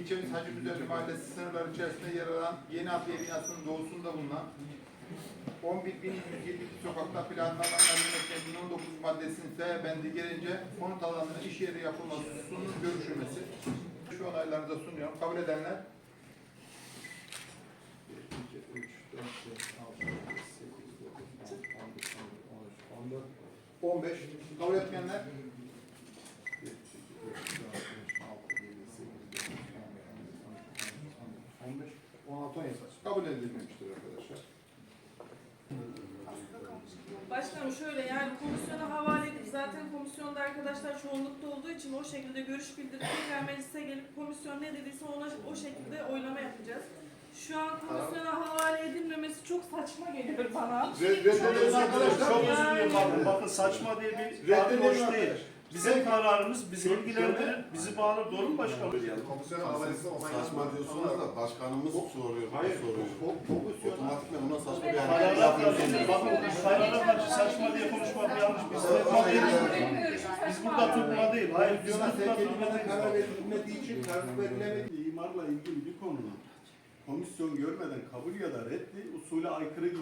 ilçemiz Hacıbüzerli Mahallesi sınırları içerisinde yer alan Yeni Adliye binasının doğusunda bulunan 11.172 sokakta planlanan Emniyet'in 19 maddesinin F bendi gelince konut alanının iş yeri yapılmasının görüşülmesi. Şu onaylarınıza sunuyorum. Kabul edenler 15. Kabul etmeyenler 16 kabul edilmemiştir arkadaşlar. Başkanım şöyle, yani komisyona havale edip zaten komisyonda arkadaşlar çoğunlukta olduğu için o şekilde görüş bildirip tekrar meclise gelip komisyon ne dediyse ona o şekilde oylama yapacağız. Şu an komisyona havale edilmemesi çok saçma geliyor bana. Reddederiz arkadaşlar. Çok özür dilerim bakın saçma diye bir tabir hoş değil. Bizim kararımız bizi ilgilendirir, bizi bağlar. Doğru mu başkanım? Komisyon havalesi saçma diyorsunuz da başkanımız soruyor. Hayır, soruyor. Otomatikman ona saçma bir Karara karşı saçma diye konuşmak yanlış. Biz tutma değiliz. Biz burada tutma değil. Hayır, biz burada tutma karar değiliz. verilmediği için karar verilemediği imarla ilgili bir konunun komisyon görmeden kabul ya da reddi usule aykırı gibi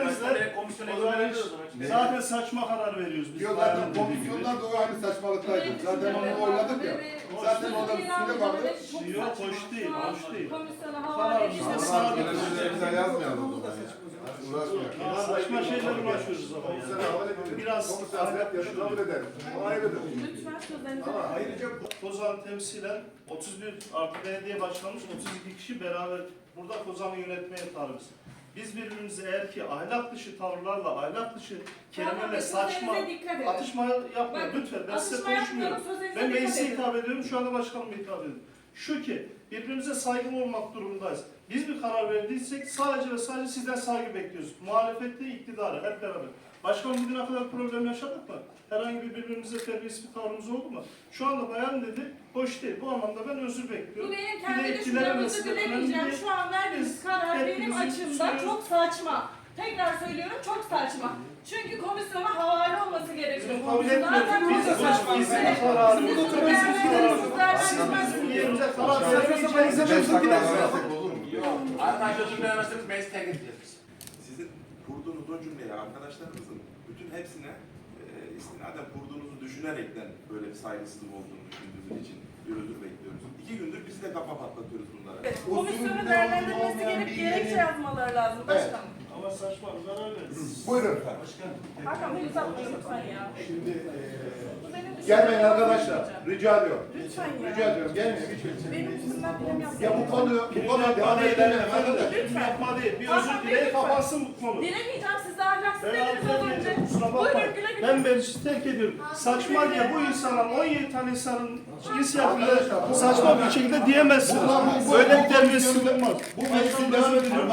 Zaten saçma karar veriyoruz biz. Yok zaten komisyondan da aynı saçmalıktaydı. Zaten onu oyladık ya. Zaten orada üstünde vardı. Yok, hoş değil, hoş değil. Komisyona havale edilmemesi. yazmayalım o zaman ya. Uğraşmayalım. Saçma şeyler uğraşıyoruz ama yani. Biraz kabul ederim. O ayrıdır. Lütfen sözlerinizi. Ama ayrıca Kozan temsilen 31 artı belediye başkanımız 32 kişi beraber burada Kozan'ı yönetmeye talibiz. Biz birbirimize eğer ki ahlak dışı tavırlarla, ahlak dışı kelimelerle saçma atışma yapmayın lütfen. Ben size konuşmuyorum. Ben meclise hitap ediyorum, şu anda başkanıma hitap ediyorum. Şu ki birbirimize saygılı olmak durumundayız. Biz bir karar verdiysek sadece ve sadece sizden saygı bekliyoruz. Muhalefette iktidarı hep beraber. Başkanım bugüne kadar problem yaşadık mı? Herhangi bir birbirimize terbiyesiz bir tavrımız oldu mu? Şu anda bayan dedi, hoş değil. Bu anlamda ben özür bekliyorum. Bu benim kendi düşüncemi dilemeyeceğim. Şu an verdiğiniz karar benim açımdan çok saçma. Tekrar söylüyorum, çok saçma. Çünkü komisyona havale olması gerekiyor. Bizim kabul etmiyoruz. Bizim kararımız. Bizim yerimize karar vermeyeceğiz. Arkadaşlar cümlelemezseniz meclis terk edeceğiz. Sizin kurduğunuz o cümleye arkadaşlarımızın bütün hepsine istinaden kurduğunuzu düşünerekten böyle bir saygısızlık olduğunu düşündüğümüz için bir özür bekliyoruz. 2 gündür biz de kafa patlatıyoruz bunlara. Komisyonun değerlendirmesi gelip gerekçe yazmaları lazım başkanım. Ama saçma bir karar verdiniz. Buyurun efendim. Hakan Bey uzatmayın lütfen ya. Şimdi Bu benim gelmeyin düşüncem. arkadaşlar. Rica ediyorum. Lütfen ya. Rica ediyorum. Gelmeyin. Hiç Benim üstümden bilim yapmayın. Ya bu konuya devam edelim efendim. Kim yapma değil. Bir özür dileyin kapansın bu konu. Dilemeyeceğim, siz de ahlaksız Ben dediniz az önce. affetmeyeceğim, kusura Buyurun bakmayın. güle güle. Ben meclisi terk ediyorum. Saçma diye bu insanlar 17 tane insanın inisiyatifinde saçma bir şekilde diyemezsiniz. Böyle bir terbiyesizlik olmaz. Bu meclisin devam ediyor.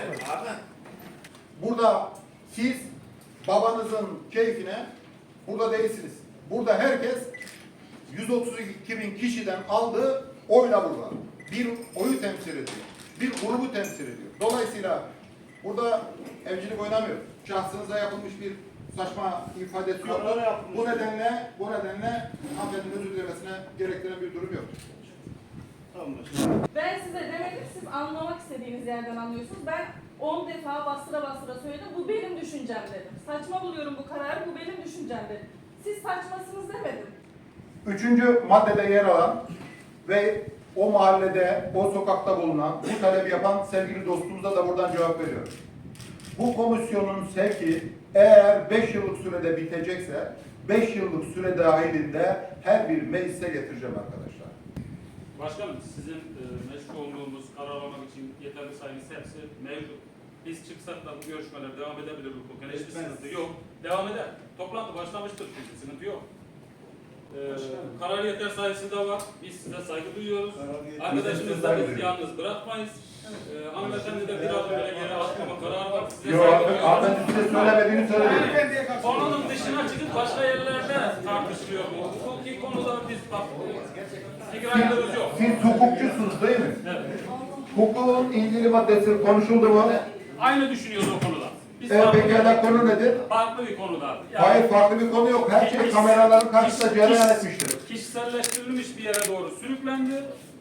Burada siz babanızın keyfine burada değilsiniz. Burada herkes 132.000 kişiden aldığı oyla burada. Bir oyu temsil ediyor. Bir grubu temsil ediyor. Dolayısıyla burada evcilik oynamıyor. Şahsınıza yapılmış bir saçma ifadesi yok. Bu nedenle hanımefendinin özür dilemesine gerektiren bir durum yok. Tamam. Ben size demedim, siz anlamak istediğiniz yerden anlıyorsunuz. Ben 10 defa bastıra söyledim, bu benim düşüncem dedim. Saçma buluyorum bu kararı, bu benim düşüncem dedim. Siz saçmasınız demedim. 3. maddede yer alan ve o mahallede, o sokakta bulunan, bu talebi yapan sevgili dostumuza da buradan cevap veriyorum. Bu komisyonun sevki eğer 5 yıllık sürede bitecekse, 5 yıllık süre dahilinde her bir meclise getireceğim arkadaşlar. Başkanım, sizin meşgul olduğumuz karar almak için yeterli sayınız hepsi mevcut. Biz çıksak da bu görüşmeler devam edebilir hukuken. Hiçbir sıkıntı yok. Devam eder. Toplantı başlamıştır çünkü sıkıntı yok. Karar yeter sayısı da var. Biz size saygı duyuyoruz. Arkadaşımız da biz yalnız bırakmayız. Hanımefendi de biraz böyle geri atmama kararı var. Size Yok, hanımefendi size söylemediğini söyledi. Konunun dışına çıkıp başka yerlerde tartışılıyor bu. Hukuki konuda biz bak, fikirlerimiz yok. Siz hukukçusunuz değil mi? Evet. Hukukun ilgili maddesi konuşuldu mu? Aynı düşünüyoruz o konuda. Biz Pekala konu nedir? farklı bir konuda. Yani Hayır, farklı bir konu yok. Her şey kameraların karşısında cereyan etmiştir. Kişiselleştirilmiş bir yere doğru sürüklendi.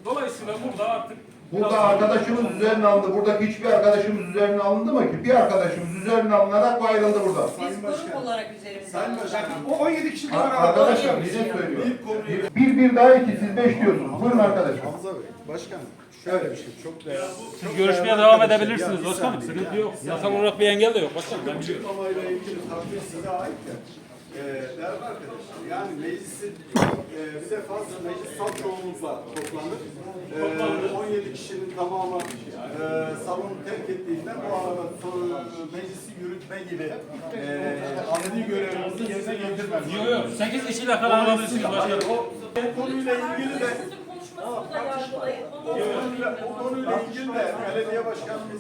Dolayısıyla burada artık Burada arkadaşımız üzerine alındı. Buradaki hiçbir arkadaşımız üzerine alındı mı ki? Bir arkadaşımız üzerine alınarak bu ayrıldı burada. Sayın Biz grup Başkanım. olarak üzerimizde Sayın alacağız. Başkanım. O 17 kişi de Arkadaşlar bize söylüyor. Bir konuyu... Bir daha iki, siz 5 diyorsunuz. Buyurun arkadaşlar. Hamza Bey, başkanım. Şöyle bir şey çok değerli. siz görüşmeye devam edebilirsiniz başkanım. Sıkıntı yok. Yasal olarak bir engel de yok başkanım. Ben biliyorum. Açıklamayla ilgili takdir size ait de. Değerli arkadaşlar, yani meclisin bir defa meclis salt çoğunlukla toplanır. 17 kişinin tamamı salonu terk ettiğinden bu arada meclisi yürütme gibi adli görevimizi yerine getirmemiz. Yok yok. 8 kişiyle karar alabilirsiniz başkanım. O konuyla ilgili de Sizin konuşmasını da yargılayın. o konuyla ilgili de belediye başkanımız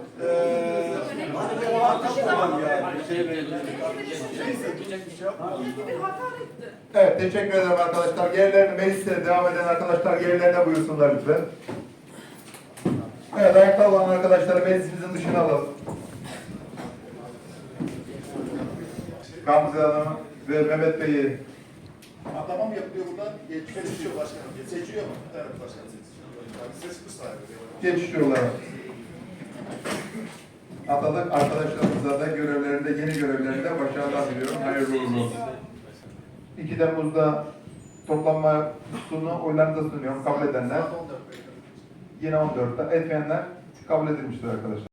muhatap olan yani şeyle ilgili. Neyse, bir şey yapmayalım. Bir hakaretti. Evet, teşekkür ederim arkadaşlar. Yerlerine, mecliste devam eden arkadaşlar yerlerine buyursunlar lütfen. Evet, ayakta olan arkadaşları meclisimizin dışına alalım. Gamze Hanım ve Mehmet Bey'i Adama mı yapılıyor burada? Seçiyor başkanım. Seçiyor mu? Evet başkanım seçiyor. Seçmiş sahibi. geçiyorlar. Atalık arkadaşlarımıza da görevlerinde, yeni görevlerinde başarılar diliyorum. Hayırlı uğurlu olsun. 2 Temmuz'da toplanmasını oylarınıza sunuyorum. Kabul edenler. Yine 14'te. Etmeyenler kabul edilmiştir arkadaşlar.